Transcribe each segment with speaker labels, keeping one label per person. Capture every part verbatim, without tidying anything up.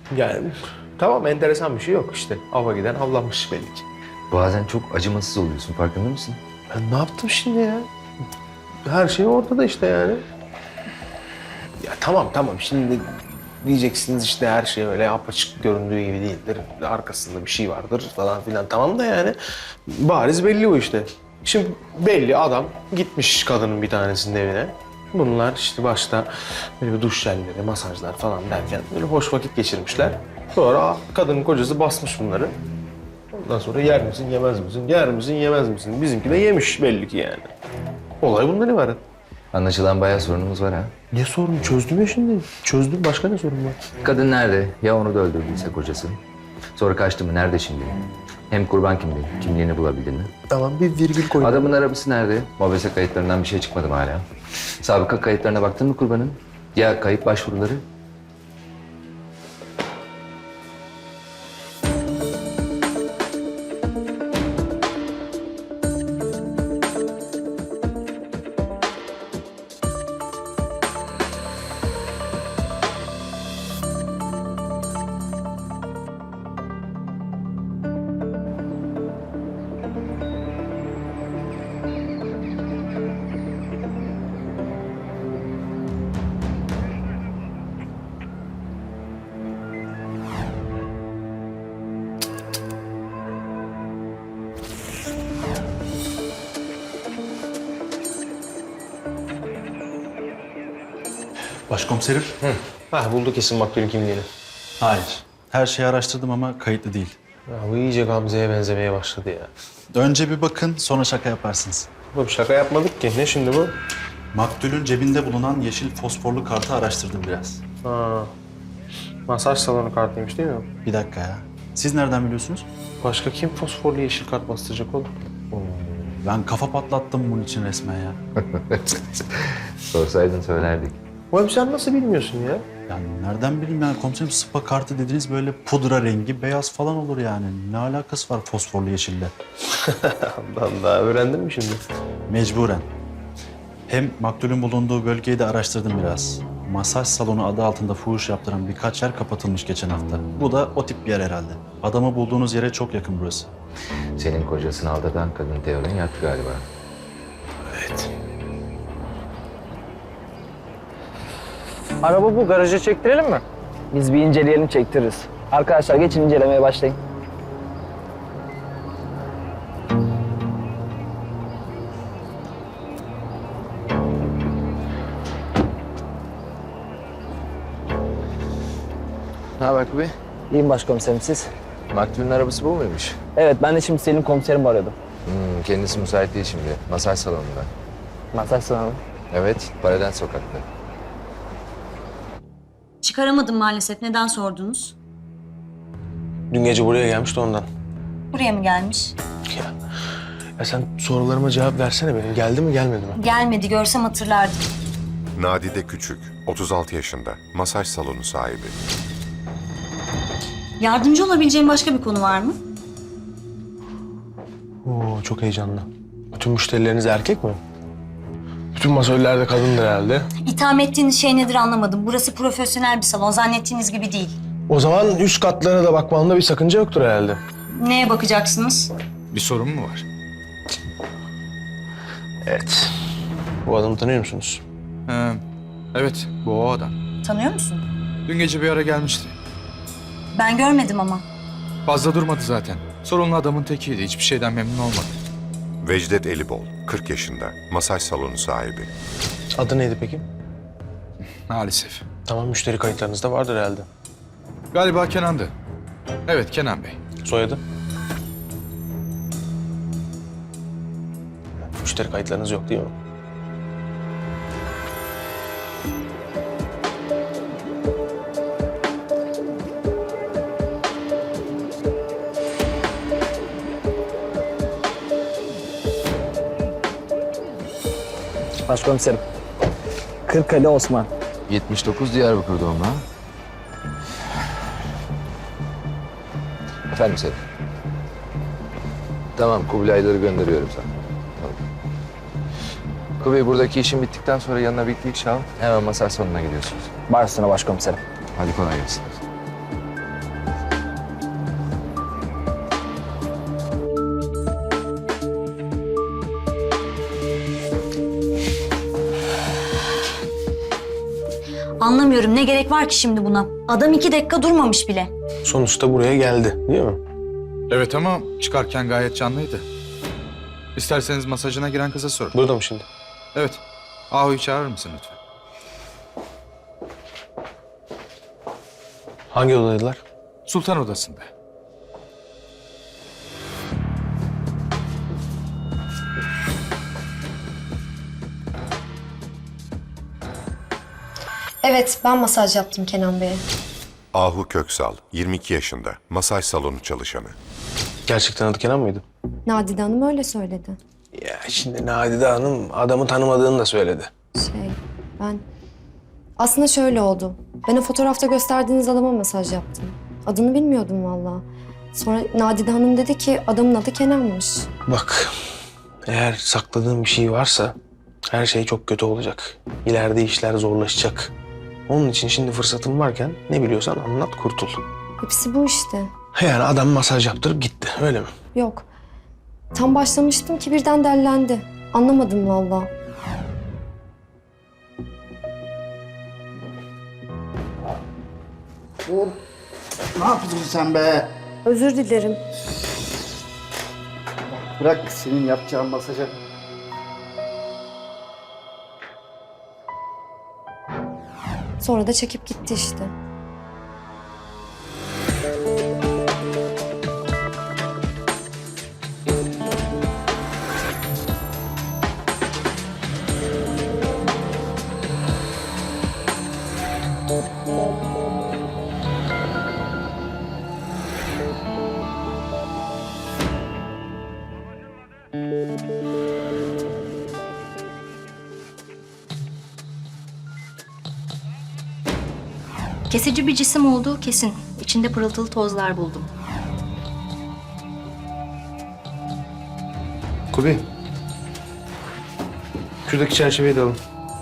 Speaker 1: Yani tamam, enteresan bir şey yok işte. Ava giden avlanmış belli ki.
Speaker 2: Bazen çok acımasız oluyorsun, farkında mısın?
Speaker 1: Ben ne yaptım şimdi ya? Her şey ortada işte yani. Ya tamam tamam, şimdi diyeceksiniz işte her şey öyle apaçık göründüğü gibi değildir. Arkasında bir şey vardır falan filan, tamam da yani bariz belli o işte. Şimdi belli, adam gitmiş kadının bir tanesinin evine. Bunlar işte başta böyle bir duş jelleri, masajlar falan derken böyle hoş vakit geçirmişler. Sonra kadının kocası basmış bunları. Ondan sonra yer misin, yemez misin, yer misin, yemez misin? Bizimki de yemiş belli ki yani. Olay bundan ibaret.
Speaker 2: Anlaşılan bayağı sorunumuz var ha.
Speaker 1: Ne sorun? Çözdüm ya şimdi. Çözdüm. Başka ne sorun var?
Speaker 2: Kadın nerede? Ya onu da öldürdüyse kocası? Sonra kaçtı mı? Nerede şimdi? Hem kurban kimliği, kimliğini bulabildin mi?
Speaker 1: Tamam, bir virgül koy.
Speaker 2: Adamın arabası nerede? Mobese kayıtlarından bir şey çıkmadı mı hala? Sabıka kayıtlarına baktın mı kurbanın? Ya kayıp başvuruları?
Speaker 3: Başkomiserim.
Speaker 1: Ha, buldu kesin maktulün kimliğini.
Speaker 3: Hayır. Her şeyi araştırdım ama kayıtlı değil.
Speaker 1: Ya bu iyice Gamze'ye benzemeye başladı ya.
Speaker 3: Önce bir bakın, sonra şaka yaparsınız.
Speaker 1: Oğlum şaka yapmadık ki. Ne şimdi bu?
Speaker 3: Maktulün cebinde bulunan yeşil fosforlu kartı araştırdım biraz.
Speaker 1: Ha, masaj salonu kartıymış değil mi?
Speaker 3: Bir dakika ya. Siz nereden biliyorsunuz?
Speaker 1: Başka kim fosforlu yeşil kart bastıracak oğlum?
Speaker 3: Ben kafa patlattım bunun için resmen ya.
Speaker 2: Sorsaydın söylerdik.
Speaker 1: Oğlum sen nasıl bilmiyorsun ya?
Speaker 3: Yani nereden bileyim yani komiserim, spa kartı dediğiniz böyle pudra rengi, beyaz falan olur yani. Ne alakası var fosforlu yeşille?
Speaker 1: Allah Allah, öğrendin mi şimdi?
Speaker 3: Mecburen. Hem maktulün bulunduğu bölgeyi de araştırdım biraz. Masaj salonu adı altında fuhuş yaptıran birkaç yer kapatılmış geçen hafta. Bu da o tip bir yer herhalde. Adamı bulduğunuz yere çok yakın burası.
Speaker 2: Senin kocasını aldatan kadın Teo'dan yattı galiba.
Speaker 1: Evet.
Speaker 4: Araba bu. Garaja çektirelim mi? Biz bir inceleyelim, çektiririz. Arkadaşlar geçin, incelemeye başlayın.
Speaker 2: Ne haber Kubi?
Speaker 4: İyiyim başkomiserim, siz?
Speaker 2: Maktulün arabası bu muymuş?
Speaker 4: Evet, ben de şimdi Selim komiserimi arıyordum.
Speaker 2: Hmm, kendisi müsait değil şimdi. Masaj salonunda.
Speaker 4: Masaj salonu.
Speaker 2: Evet, Paradens sokakta.
Speaker 5: Çıkaramadım maalesef. Neden sordunuz?
Speaker 1: Dün gece buraya gelmişti ondan.
Speaker 5: Buraya mı gelmiş?
Speaker 1: Ya, ya sen sorularıma cevap versene benim. Geldi mi gelmedi mi?
Speaker 5: Gelmedi. Görsem hatırlardım.
Speaker 6: Nadide Küçük, otuz altı yaşında, masaj salonu sahibi.
Speaker 5: Yardımcı olabileceğim başka bir konu var mı?
Speaker 1: Oo, çok heyecanlı. Bütün müşterileriniz erkek mi? Bütün masörler de kadındır herhalde.
Speaker 5: İtham ettiğiniz şey nedir anlamadım. Burası profesyonel bir salon. Zannettiğiniz gibi değil.
Speaker 1: O zaman üst katlara da bakmanda bir sakınca yoktur herhalde.
Speaker 5: Neye bakacaksınız?
Speaker 7: Bir sorun mu var?
Speaker 1: Evet. Bu adamı tanıyor musunuz?
Speaker 7: Ee, evet, bu o adam.
Speaker 5: Tanıyor musun?
Speaker 7: Dün gece bir ara gelmişti.
Speaker 5: Ben görmedim ama.
Speaker 7: Fazla durmadı zaten. Sorunlu adamın tekiydi. Hiçbir şeyden memnun olmadı.
Speaker 6: Vecdet Elibol, kırk yaşında, masaj salonu sahibi.
Speaker 1: Adı neydi peki?
Speaker 7: Maalesef.
Speaker 1: Tamam, müşteri kayıtlarınızda vardır herhalde.
Speaker 7: Galiba Kenan'dı. Evet, Kenan Bey.
Speaker 1: Soyadı? Müşteri kayıtlarınız yok değil mi?
Speaker 4: Başkomiserim. Kırkali Osman.
Speaker 2: yetmiş dokuz Diyarbakır doğumlu ha? Efendim Selim. Tamam, Kubilayları gönderiyorum sana. Tamam. Kubilay, buradaki işin bittikten sonra yanına bir iki kişi al. Hemen masaj salonuna gidiyorsunuz.
Speaker 4: Başüstüne başkomiserim.
Speaker 2: Hadi kolay gelsin.
Speaker 5: Anlamıyorum, ne gerek var ki şimdi buna? Adam iki dakika durmamış bile.
Speaker 1: Sonuçta buraya geldi değil mi?
Speaker 7: Evet ama çıkarken gayet canlıydı. İsterseniz masajına giren kıza sorun.
Speaker 1: Burada mı şimdi?
Speaker 7: Evet. Ahu'yu çağırır mısın lütfen?
Speaker 1: Hangi odadaydılar?
Speaker 7: Sultan odasında.
Speaker 8: Evet, ben masaj yaptım Kenan Bey'e.
Speaker 6: Ahu Köksal, yirmi iki yaşında, masaj salonu çalışanı.
Speaker 1: Gerçekten adı Kenan mıydı?
Speaker 8: Nadide Hanım öyle söyledi.
Speaker 1: Ya şimdi Nadide Hanım adamı tanımadığını da söyledi.
Speaker 8: Şey, ben... Aslında şöyle oldu. Ben o fotoğrafta gösterdiğiniz adama masaj yaptım. Adını bilmiyordum vallahi. Sonra Nadide Hanım dedi ki adamın adı Kenan'mış.
Speaker 1: Bak, eğer sakladığın bir şey varsa her şey çok kötü olacak. İleride işler zorlaşacak. Onun için şimdi fırsatın varken ne biliyorsan anlat, kurtul.
Speaker 8: Hepsi bu işte.
Speaker 1: Yani adam masaj yaptırıp gitti, öyle mi?
Speaker 8: Yok. Tam başlamıştım ki birden dellendi. Anlamadım vallahi.
Speaker 9: Ne yapıyorsun sen be?
Speaker 8: Özür dilerim.
Speaker 9: Bırak senin yapacağın masaja.
Speaker 8: Sonra da çekip gitti işte.
Speaker 5: Kesici bir cisim olduğu kesin. İçinde pırıltılı tozlar buldum.
Speaker 1: Kubi. Şuradaki çerçeveyi de alın.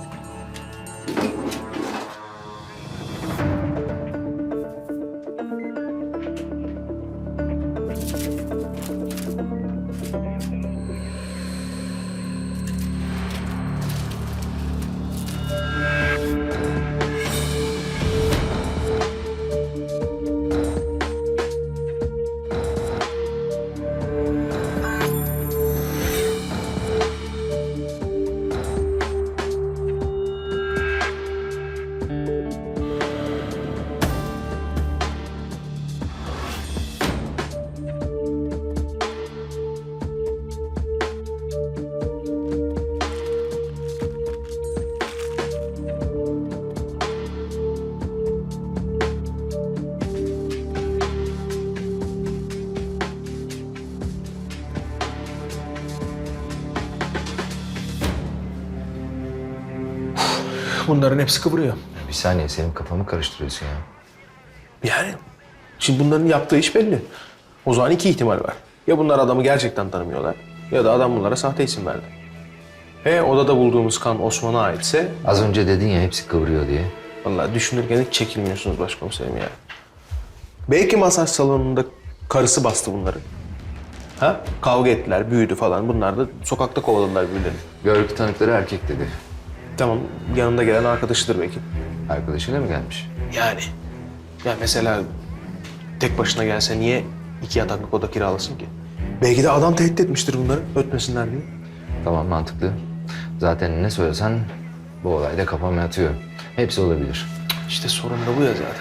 Speaker 1: Bunların hepsi kıvırıyor.
Speaker 2: Bir saniye, senin kafamı karıştırıyorsun ya.
Speaker 1: Yani şimdi bunların yaptığı iş belli. O zaman iki ihtimal var. Ya bunlar adamı gerçekten tanımıyorlar ya da adam bunlara sahte isim verdi. E odada bulduğumuz kan Osman'a aitse
Speaker 2: Az önce dedin ya hepsi kıvırıyor diye.
Speaker 1: vallahi düşünürken hiç çekilmiyorsunuz başkomiserim ya. Belki masaj salonunda karısı bastı bunları. Ha? Kavga ettiler, büyüdü falan. Bunlar da sokakta kovaladılar birbirlerini.
Speaker 2: Görgü tanıkları erkek dedi.
Speaker 1: Tamam, yanında gelen arkadaşıdır belki.
Speaker 2: Arkadaşıyla mı gelmiş?
Speaker 1: Yani. Ya mesela tek başına gelse niye iki yataklık oda kiralasın ki? Belki de adam tehdit etmiştir bunları ötmesinler diye.
Speaker 2: Tamam, mantıklı. Zaten ne söylesen bu olayda kafama yatıyor. Hepsi olabilir.
Speaker 1: İşte sorun da bu ya zaten.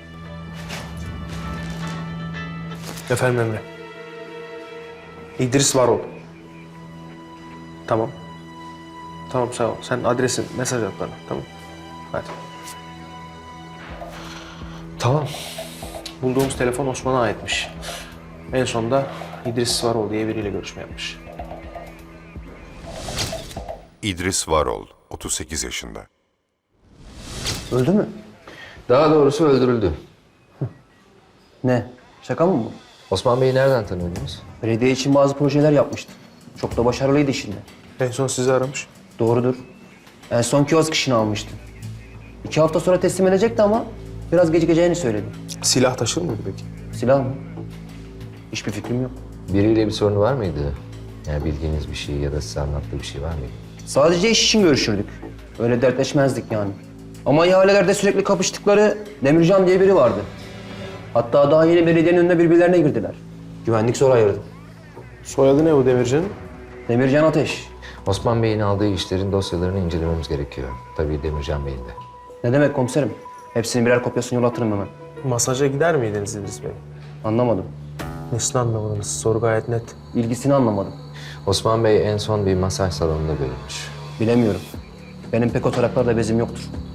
Speaker 1: Efendim Emre. İdris Varol. Tamam. Tamam sağ ol. Sen adresi mesaj at bana. Tamam. Hadi. Tamam. Bulduğumuz telefon Osman'a aitmiş. En sonunda İdris Varol diye biriyle görüşme yapmış.
Speaker 6: İdris Varol, otuz sekiz yaşında.
Speaker 10: Öldü mü?
Speaker 2: Daha doğrusu öldürüldü.
Speaker 10: Ne? Şaka mı bu?
Speaker 2: Osman Bey'i nereden tanıyordunuz?
Speaker 10: Belediye için bazı projeler yapmıştı. Çok da başarılıydı işinde.
Speaker 1: En son sizi aramış.
Speaker 10: Doğrudur. En son kiosk işini almıştı. İki hafta sonra teslim edecekti ama biraz gecikeceğini söyledi.
Speaker 1: Silah taşır mıydı peki?
Speaker 10: Silah mı? Hiçbir fikrim yok.
Speaker 2: Biriyle bir sorunu var mıydı? Yani bildiğiniz bir şey ya da size anlattığı bir şey var mıydı?
Speaker 10: Sadece iş için görüşürdük. Öyle dertleşmezdik yani. Ama ihalelerde sürekli kapıştıkları Demircan diye biri vardı. Hatta daha yeni belediyenin önüne birbirlerine girdiler. Güvenlik zor ayırdı.
Speaker 1: Soyadı ne bu Demircan'ın?
Speaker 10: Demircan Ateş.
Speaker 2: Osman Bey'in aldığı işlerin dosyalarını incelememiz gerekiyor. Tabii Demircan Bey'in de.
Speaker 10: Ne demek komiserim? Hepsinin birer kopyasını yolatırım hemen.
Speaker 1: Masaja gider miydiniz İdris Bey?
Speaker 10: Anlamadım.
Speaker 1: Nesini anlamadınız? Soru gayet net.
Speaker 10: İlgisini anlamadım.
Speaker 2: Osman Bey en son bir masaj salonunda görülmüş.
Speaker 10: Bilemiyorum. Benim pek o taraklarda bezim yoktur.